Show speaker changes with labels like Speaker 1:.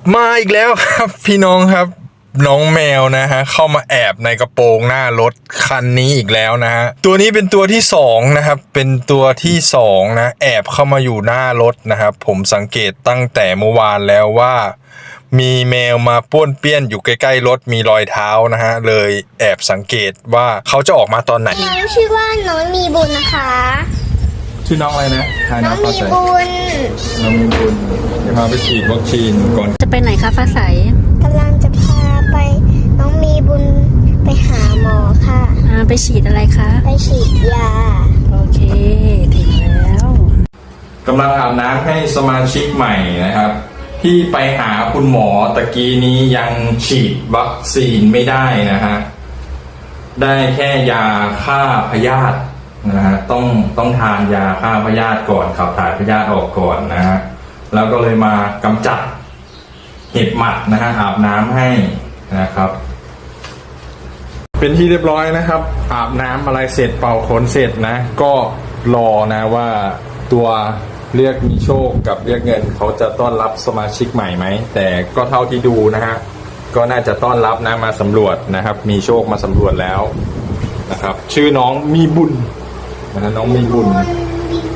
Speaker 1: มาอีกแล้วครับพี่น้องครับน้องแมวนะฮะเข้ามาแอบในกระโปรงหน้ารถคันนี้อีกแล้วนะฮะตัวนี้เป็นตัวที่สองนะครับเป็นตัวที่สองนะแอบเข้ามาอยู่หน้ารถนะครับผมสังเกตตั้งแต่เมื่อวานแล้วว่ามีแมวมาป้วนเปี้ยนอยู่ใกล้ๆรถมีรอยเท้านะฮะเลยแอบสังเกตว่าเขาจะออกมาตอนไหน
Speaker 2: น้องชื่อว่าน้องมีบุญนะคะ
Speaker 1: ชื่อน้องอะไรนะ
Speaker 2: น้องมีบุญ
Speaker 1: น้องมีบุญจะพาไปฉีดวัคซีนก่อน
Speaker 3: จะไปไหนคะฟ้าใส
Speaker 2: กำลังจะพาไปน้องมีบุญไปหาหมอค่ะ
Speaker 3: ไปฉีดอะไรคะ
Speaker 2: ไปฉีดยา
Speaker 3: โอเคถึงแล้ว
Speaker 1: กำลังอาบน้ำให้สมาชิกใหม่นะครับที่ไปหาคุณหมอตะกี้นี้ยังฉีดวัคซีนไม่ได้นะฮะได้แค่ยาฆ่าพยาธินะฮะต้องทานยาฆ่าพยาธิก่อนขับถ่ายพยาธิออกก่อนนะฮะแล้วก็เลยมากำจัดเห็บหมัดนะฮะอาบน้ำให้นะครับเป็นที่เรียบร้อยนะครับอาบน้ำอะไรเสร็จเป่าขนเสร็จนะก็รอนะว่าตัวเรียกมีโชคกับเรียกเงินเขาจะต้อนรับสมาชิกใหม่ไหมแต่ก็เท่าที่ดูนะฮะก็น่าจะต้อนรับนะมาสำรวจนะครับมีโชคมาสำรวจแล้วนะครับชื่อน้องมีบุญนะน้องมีบุญ